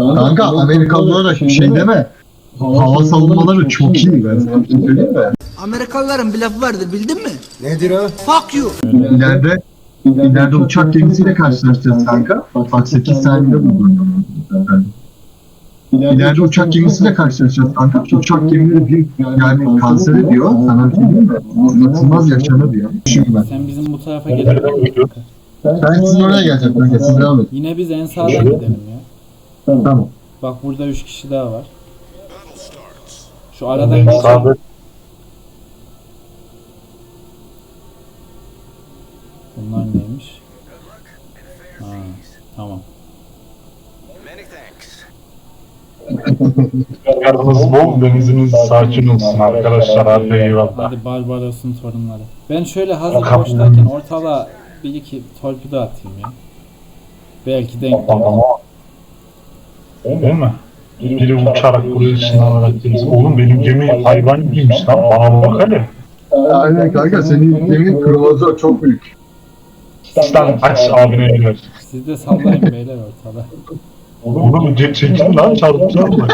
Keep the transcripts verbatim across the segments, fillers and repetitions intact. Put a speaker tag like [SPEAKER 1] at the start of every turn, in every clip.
[SPEAKER 1] Kanka Amerikalılar da bir şey deme. Hava savunmaları çok iyi, ben sana bir şey söyleyeyim mi?
[SPEAKER 2] Amerikalıların bir lafı vardır, bildin mi?
[SPEAKER 3] Nedir o?
[SPEAKER 2] Fuck you.
[SPEAKER 1] İleride ileride uçak gemisiyle karşılaşacağız kanka. Bak sekiz saniyede buldum. İleride uçak gemisiyle karşılaşacağız kanka. Uçak gemileri bir yani kanser ediyor. Sana bir şey diyeyim mi? Anlatılmaz yaşanır diyor. Düşün ben.
[SPEAKER 4] Sen bizim bu tarafa gel.
[SPEAKER 1] Ben sizin oraya geleceğim kanka. Siz devam edin.
[SPEAKER 4] Yine biz en sağdan gidelim ya.
[SPEAKER 1] Tamam.
[SPEAKER 4] Bak burada üç kişi daha var. Şu aradan geçelim. Bunlar neymiş? Ha, tamam.
[SPEAKER 5] Yardımınız bol, deniziniz sakin olsun arkadaşlar. Hadi eyvallah.
[SPEAKER 4] Hadi Barbaros'un torunları. Ben şöyle hazır boştayken ortalığa bir iki torpido atayım ya. Belki denk gelir.
[SPEAKER 5] Değil mi? Biri uçarak buraya ışınlanarak deniz. Oğlum benim gemi hayvan gibiymiş lan. Bana bak hele.
[SPEAKER 1] Aynen kanka, senin gemin kruvazör çok büyük.
[SPEAKER 5] Sen aç abine girer.
[SPEAKER 4] Siz de sallayın beyler ortada.
[SPEAKER 5] Oğlum ce- çekin lan, çarpacağım mı?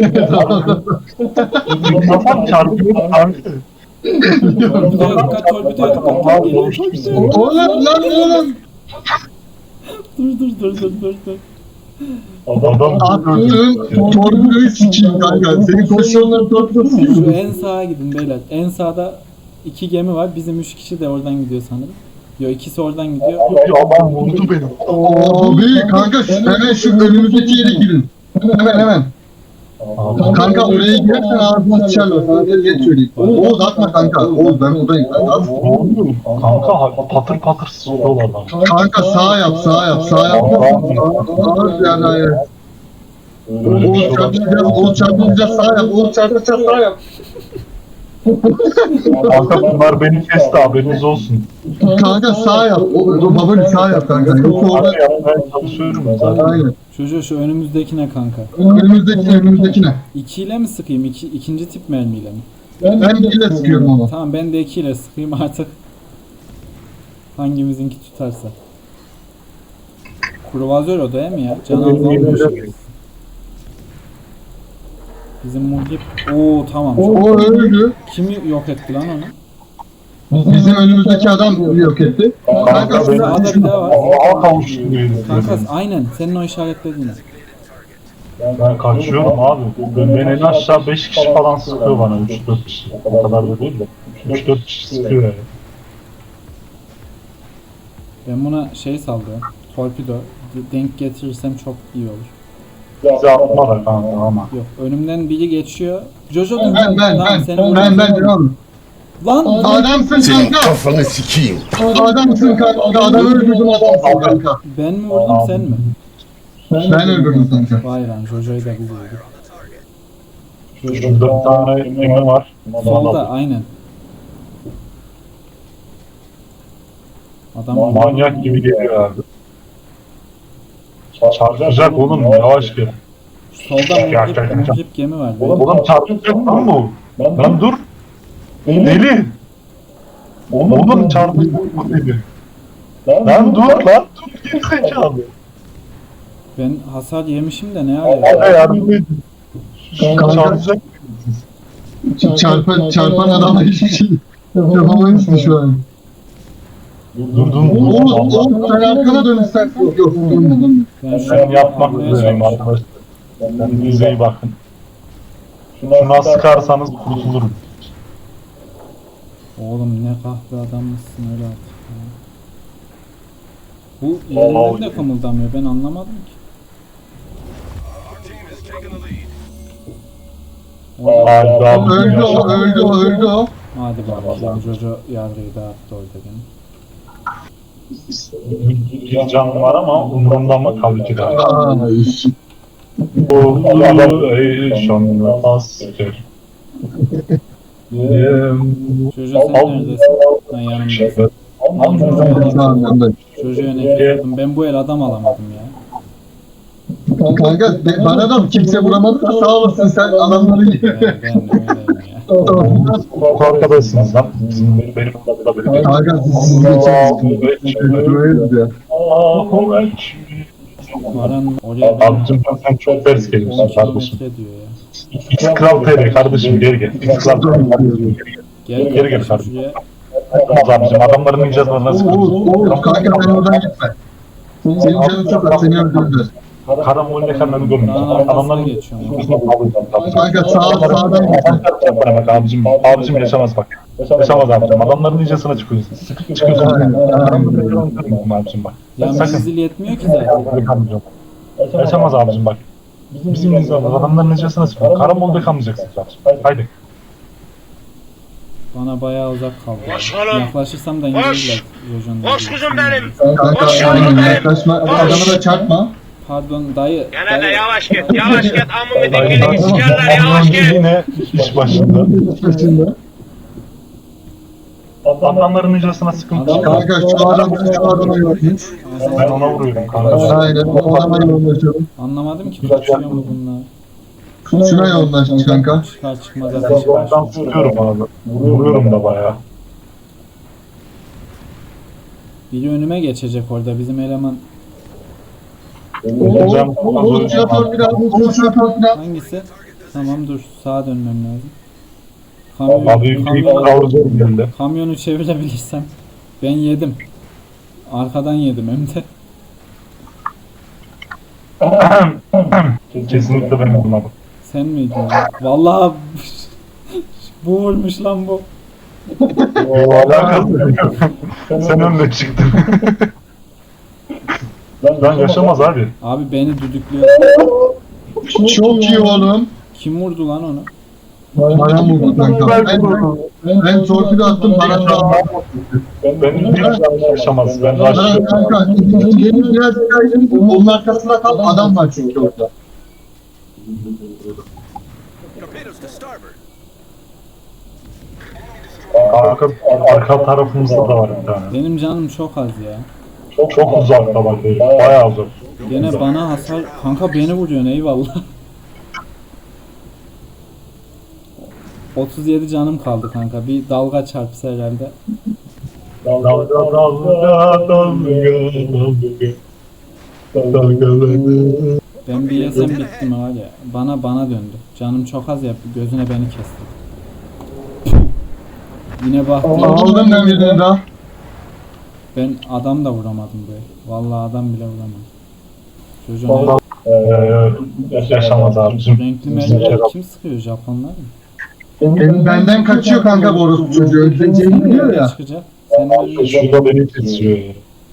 [SPEAKER 5] Kafam çarpıyor kanka.
[SPEAKER 4] Torpidoya dikkat, torpidoya dikkat. Geliyor torpidoya.
[SPEAKER 1] Oğlum lan oğlum.
[SPEAKER 4] Dur dur dur dur dur dur.
[SPEAKER 5] Adam
[SPEAKER 1] Attığın torpidoyu sikeyim kanka. Senin koşuyorlar torpidosu
[SPEAKER 4] Şu
[SPEAKER 1] sikeyim.
[SPEAKER 4] en sağa gidin beyler. En sağda iki gemi var. Bizim üç kişi de oradan gidiyor sanırım. Yo, ikisi oradan gidiyor.
[SPEAKER 5] adam vurdu beni.
[SPEAKER 1] Abi kanka şu, hemen şu önümüzdeki yere girin. Hemen hemen. Kanka oraya girersen ağzına sıçarlar. Sana bir geç söyleyeyim. Oğuz atma kanka. Oğuz ben buradayım. Kanka, atma.
[SPEAKER 5] Ne oluyor? Kanka patır patır sıçıyorlar lan.
[SPEAKER 1] Kanka sağ yap sağ yap sağ yap. Ağır yani hayır.
[SPEAKER 5] Böyle bir şey
[SPEAKER 1] Oğuz
[SPEAKER 5] olabilir.
[SPEAKER 1] çarpacağız. Oğuz çarpacağız sağ yap. Oğuz çarpacağız sağ yap.
[SPEAKER 5] Kanka bunlar beni kesti, haberiniz olsun.
[SPEAKER 1] Kanka sağ yap. O babali sağ yap kanka. Yoksa orada
[SPEAKER 5] Orada yapmaya çalışıyorum zaten.
[SPEAKER 1] aynen.
[SPEAKER 4] Çocuğu şu önümüzdekine kanka.
[SPEAKER 1] Önümüzdeki önümüzdekine.
[SPEAKER 4] İkiyle mi sıkayım? İki, ikinci tip mermiyle mi?
[SPEAKER 1] Ben bile sıkıyorum onu.
[SPEAKER 4] Tamam, ben de ikiyle sıkayım artık. Hangimizinki tutarsa. Kruvazör o değil mi ya? Can azalmıyor. Bizim muhip. Oo tamam.
[SPEAKER 1] O öldü.
[SPEAKER 4] Kim yok etti lan onu?
[SPEAKER 1] Bizim önümüzdeki adam yok etti. Kanka
[SPEAKER 5] Kanka
[SPEAKER 1] şurada
[SPEAKER 4] Sağda bir daha var.
[SPEAKER 5] Allah'a kavuştum.
[SPEAKER 4] Kanka aynen senin o işaretlediğine.
[SPEAKER 5] Ben kaçıyorum abi. Ben, ben en aşağı beş kişi falan sıkıyor bana. üç dört kişi. O kadar da değil de. üç dört kişi sıkıyor yani.
[SPEAKER 4] Ben buna şey sallıyorum. Torpido. D- Denk getirirsem çok iyi olur.
[SPEAKER 5] Bize atma da kanka ama.
[SPEAKER 4] Yok, önümden biri geçiyor. Jojo dur.
[SPEAKER 1] ben ben
[SPEAKER 4] Tamam,
[SPEAKER 1] ben
[SPEAKER 4] seni
[SPEAKER 1] ben
[SPEAKER 4] vuracağım.
[SPEAKER 1] ben devam.
[SPEAKER 4] Lan
[SPEAKER 1] Adamsın
[SPEAKER 3] Senin
[SPEAKER 1] kanka.
[SPEAKER 3] kafanı sikeyim.
[SPEAKER 1] Adamsın kanka. Adam öldürdüm adamsın kanka.
[SPEAKER 4] ben mi vurdum sen mi?
[SPEAKER 1] Ben öldürdüm kanka.
[SPEAKER 4] Vay lan, Jojo'yu da biz vurduk.
[SPEAKER 5] Şurada bir tane gemi var.
[SPEAKER 4] Solda aynen. Adam
[SPEAKER 5] Manyak gibi geliyor abi. Çarpacak oğlum, yavaş gel.
[SPEAKER 4] solda
[SPEAKER 5] Gel,
[SPEAKER 4] muhrip,
[SPEAKER 5] gel, gel.
[SPEAKER 4] muhrip gemi var.
[SPEAKER 5] Oğlum çarpacak lan bu. Lan dur. Deli. Oğlum çarpacak bu deli. Lan dur lan dur, geri zekalı.
[SPEAKER 4] Ben hasar yemişim de ne ara
[SPEAKER 5] Bana
[SPEAKER 4] ya?
[SPEAKER 5] yardım edin.
[SPEAKER 1] Kanka.
[SPEAKER 5] Çarpacak.
[SPEAKER 1] Çarpan, çarpan adamla hiçbir şey yapamayız ki şu an.
[SPEAKER 5] Dur dur dur.
[SPEAKER 1] Oğuz, Oğuz sen arkana dön istersen. Yok yok. dönmedim.
[SPEAKER 4] Ben şu
[SPEAKER 5] Ben yapmak
[SPEAKER 4] anlamaya
[SPEAKER 5] üzereyim
[SPEAKER 4] çalışıyorum.
[SPEAKER 5] arkadaşlar. Kendinize iyi bakın. Şuna sıkarsanız kurtulurum.
[SPEAKER 4] Oğlum ne kahve adammışsın öyle artık ya. Bu yerinden de kımıldamıyor, ben anlamadım ki. Oğlum,
[SPEAKER 5] Hadi abi.
[SPEAKER 1] Öldü o, öldü o, öldü o.
[SPEAKER 4] hadi bakalım, Jojo yargıyı dağıttı orada gene.
[SPEAKER 5] Bir can var ama umurumda mı? Tabii ki de.
[SPEAKER 1] Ay.
[SPEAKER 5] Bu adam eşanlı asker.
[SPEAKER 4] Jojo sen neredesin? Ben yanımdasın.
[SPEAKER 1] Tamam, yanındayım.
[SPEAKER 4] Jojo'ya nefret ettim. Ben bu el adam alamadım ya.
[SPEAKER 1] Kanka be- bana da kimse vuramadı da sağ olasın sen adamları
[SPEAKER 4] Ben, ben de öyleyim ya.
[SPEAKER 5] Bu arkadaşsınız lan. Bizim benim da benim.
[SPEAKER 1] Kanka siz siz geçeriz. Böyleyiz ya.
[SPEAKER 5] Allahu Ekber.
[SPEAKER 4] Varan oraya
[SPEAKER 5] Abicim sen çok ters geliyorsun
[SPEAKER 4] on
[SPEAKER 5] kardeşim.
[SPEAKER 4] kilometre diyor ya.
[SPEAKER 5] X Kral T R kardeşim geri gel. X Kral T R kardeşim geri gel.
[SPEAKER 4] Gel
[SPEAKER 5] Geri
[SPEAKER 4] gel
[SPEAKER 5] gel
[SPEAKER 4] kardeşim
[SPEAKER 5] kardeşim.
[SPEAKER 4] şuraya.
[SPEAKER 5] Olmaz abicim adamların icazına nasıl
[SPEAKER 1] Oğuz,
[SPEAKER 5] kırıyorsun?
[SPEAKER 1] Oğuz kanka ben oradan gitme. Senin canın çok az, seni öldürdüler.
[SPEAKER 5] Karambol'le kanını görmüyorsun.
[SPEAKER 4] Dağın arkasına
[SPEAKER 5] Adamların
[SPEAKER 4] geçiyorum.
[SPEAKER 1] Kanka sağ sağdan gitme.
[SPEAKER 5] bak abicim, abicim yaşamaz bak. Yaşamaz abicim. Adamların icazına çıkıyorsun. Çıkıyorsun. Adamların abicim bak.
[SPEAKER 4] Ya
[SPEAKER 5] Sakın.
[SPEAKER 4] menzil yetmiyor ki zaten.
[SPEAKER 5] Yaşamaz abicim bak. Bizim icazımız adamların icazına çıkıyor. Karambol'da kalmayacaksın abicim. Haydi.
[SPEAKER 4] Bana bayağı uzak kaldı.
[SPEAKER 3] Koş oğlum.
[SPEAKER 4] Yaklaşırsam da
[SPEAKER 3] Koş.
[SPEAKER 4] indirirler. Yojan'da.
[SPEAKER 3] Koş kuzum benim.
[SPEAKER 1] Kanka
[SPEAKER 3] Koş
[SPEAKER 1] aynen
[SPEAKER 3] oğlum benim.
[SPEAKER 1] yaklaşma. Adamı da çarpma.
[SPEAKER 4] Pardon dayı.
[SPEAKER 3] Gene de
[SPEAKER 4] dayı.
[SPEAKER 3] yavaş git. Yavaş git. Amımı
[SPEAKER 5] Haydi.
[SPEAKER 3] dikini sikerler. Yavaş git.
[SPEAKER 5] Yine iş başında.
[SPEAKER 1] Başında.
[SPEAKER 5] Adamların icazına sıkıntı
[SPEAKER 4] Adam-
[SPEAKER 5] yok.
[SPEAKER 1] Kanka şu adam şu adama yormuş.
[SPEAKER 5] Ben ona vuruyorum kanka.
[SPEAKER 1] Aynen o adama yoğunlaşalım.
[SPEAKER 4] Anlamadım ki kaçıyor mu bunlar.
[SPEAKER 1] Şuna yoğunlaş kanka.
[SPEAKER 4] Çıkar çıkmaz ateş
[SPEAKER 5] Ben
[SPEAKER 4] var.
[SPEAKER 5] sıkıyorum abi. Vuruyorum da bayağı.
[SPEAKER 4] Biri önüme geçecek orada bizim eleman.
[SPEAKER 5] Hocam,
[SPEAKER 1] Oğuz şuna torpil al. Oğuz şuna torpil al.
[SPEAKER 4] Hangisi? Tamam dur sağa dönmem lazım. Kamyon,
[SPEAKER 5] Abi büyük
[SPEAKER 4] kamyon,
[SPEAKER 5] kavrucu geldi.
[SPEAKER 4] kamyonu çevirebilirsem. Ben yedim. Arkadan yedim hem de.
[SPEAKER 5] Kesinlikle ben vurmadım.
[SPEAKER 4] Sen miydin? ya? Vallahi bu vurmuş lan bu.
[SPEAKER 5] Alakası yok. Sen önüne çıktın. Ben yaşamaz abi.
[SPEAKER 4] Abi beni düdüklüyor.
[SPEAKER 1] Çok iyi oğlum.
[SPEAKER 4] Kim vurdu lan onu?
[SPEAKER 1] Bana vurdu kanka. Ben, ben, ben torpil attım bana da.
[SPEAKER 5] Ben bir yaşamaz. Ben
[SPEAKER 1] Bana
[SPEAKER 5] aşıyorum.
[SPEAKER 1] kanka. Benim biraz kaydım. Onun arkasında kal. Adam var çünkü orada.
[SPEAKER 5] Arka, arka tarafımızda da var bir tane.
[SPEAKER 4] Benim canım çok az ya.
[SPEAKER 5] Çok, çok uzakta bak herif. Bayağı uzak.
[SPEAKER 4] Gene bana hasar... Kanka beni vuruyorsun eyvallah. otuz yedi canım kaldı kanka. Bir dalga çarpsa herhalde.
[SPEAKER 5] Dalga dalga dalga dalga dalgalanır.
[SPEAKER 4] Ben bir yesem bittim var ya. Bana bana döndü. Canım çok az ya. Gözüne beni kesti. Yine baktım.
[SPEAKER 1] Aldım ben birini daha.
[SPEAKER 4] Ben adam da vuramadım böyle. Vallahi adam bile vuramadım. Çocuğun
[SPEAKER 5] Ee, yaşamaz abicim.
[SPEAKER 4] renkli mermileri kim sıkıyor? Japonlar mı?
[SPEAKER 1] Benim benden kaçıyor kanka bu orospu çocuğu. Öldüreceğini biliyor ya.
[SPEAKER 4] Çıkacak. Sen de
[SPEAKER 5] Şurada beni kesiyor ya.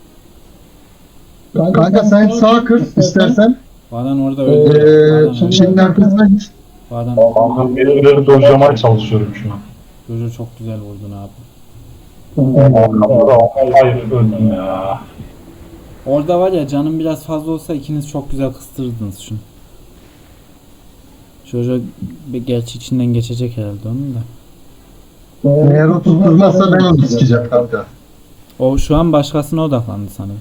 [SPEAKER 1] Kanka sen sağ kır istersen.
[SPEAKER 4] Varan orada öldü.
[SPEAKER 1] Eee
[SPEAKER 4] Varan öldü.
[SPEAKER 1] şeyin arkasına git.
[SPEAKER 4] Varan.
[SPEAKER 5] Kanka birileri dojlamaya çalışıyorum şu an.
[SPEAKER 4] Çocuğu çok güzel vurdun abi.
[SPEAKER 5] Hayır öldüm ya.
[SPEAKER 4] Orada var ya canım biraz fazla olsa ikiniz çok güzel kıstırdınız şunu. Çocuğu bir gerçi içinden geçecek herhalde onun da.
[SPEAKER 1] Eğer o tutturmazsa ben onu sikeceğim kanka.
[SPEAKER 4] O şu an başkasına odaklandı sanırım.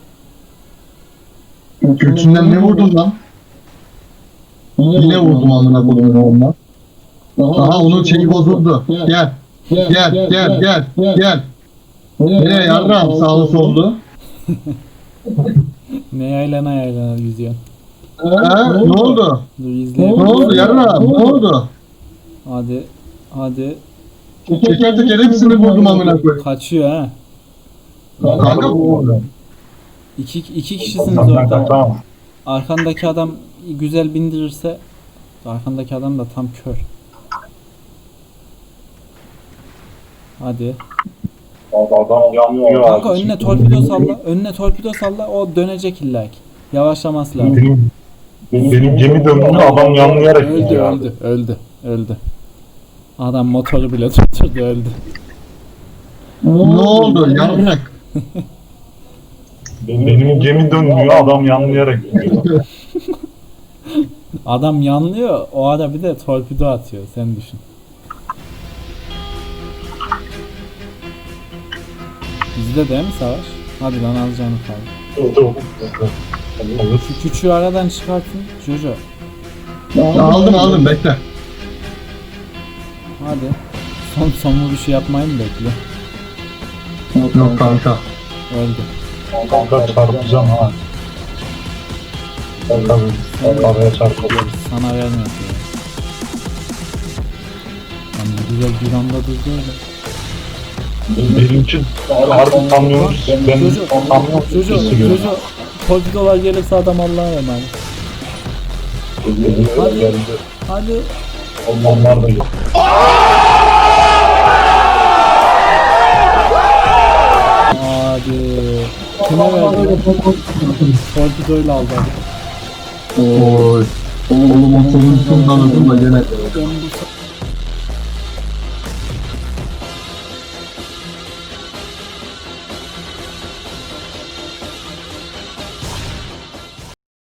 [SPEAKER 1] Götünden ne vurdun lan? Yine vurdum amına koyduğum onunla. Aha onun şeyi bozuldu. Gel. Gel gel gel gel. Nereye yarram sağlı sollu?
[SPEAKER 4] Ne yaylana yaylana yüzüyor.
[SPEAKER 1] Ha, ne oldu?
[SPEAKER 4] Dur
[SPEAKER 1] Ne
[SPEAKER 4] izleyelim.
[SPEAKER 1] oldu yarram? Ne oldu?
[SPEAKER 4] Hadi. Hadi.
[SPEAKER 1] Teker teker hepsini vurdum amına koyayım.
[SPEAKER 4] Kaçıyor ha.
[SPEAKER 1] Kanka bu.
[SPEAKER 4] İki, iki kişisiniz orada.
[SPEAKER 5] Tamam.
[SPEAKER 4] Arkandaki adam güzel bindirirse arkandaki adam da tam kör. Hadi.
[SPEAKER 5] Adam yanmıyor
[SPEAKER 4] Kanka
[SPEAKER 5] abi.
[SPEAKER 4] önüne torpido salla. Önüne torpido salla. O dönecek illa ki. Yavaşlaması lazım.
[SPEAKER 5] Benim, benim gemi döndüğünde adam yanlayarak
[SPEAKER 4] Öldü
[SPEAKER 5] gidiyor abi.
[SPEAKER 4] öldü öldü öldü. Adam motoru bile tutturdu öldü.
[SPEAKER 1] Ne oldu yarrak?
[SPEAKER 5] Benim gemi dönmüyor adam yanlayarak gidiyor.
[SPEAKER 4] Adam yanlıyor. O ara bir de torpido atıyor. Sen düşün. Bizde değil mi savaş? Hadi lan alacağını kaldı.
[SPEAKER 5] Olur.
[SPEAKER 4] Şu küçüğü aradan çıkartın. Jojo.
[SPEAKER 1] Aldım aldım bekle.
[SPEAKER 4] Hadi. Son son vuruşu yapmayı mı bekliyor?
[SPEAKER 1] Yok kanka.
[SPEAKER 4] Öldü.
[SPEAKER 5] Kanka çarpacağım ha. Tabii. Araya çarpılıyor.
[SPEAKER 4] Sana vermiyor ya. Lan ne güzel bir anda durdu öyle.
[SPEAKER 5] Benim için harbi kamyonuz. Ben
[SPEAKER 4] Çocuğu,
[SPEAKER 5] kamyon
[SPEAKER 4] çocuğu,
[SPEAKER 5] sesi görüyorum.
[SPEAKER 4] çocuğu. Torpidolar gelirse adam Allah'a emanet. Hadi. Hadi.
[SPEAKER 5] Onlar da yok.
[SPEAKER 4] Hadi. Kime verdi? Torpidoyla aldı hadi.
[SPEAKER 1] Oy. Oğlum o sonuncusunu da gene.
[SPEAKER 4] Ben bu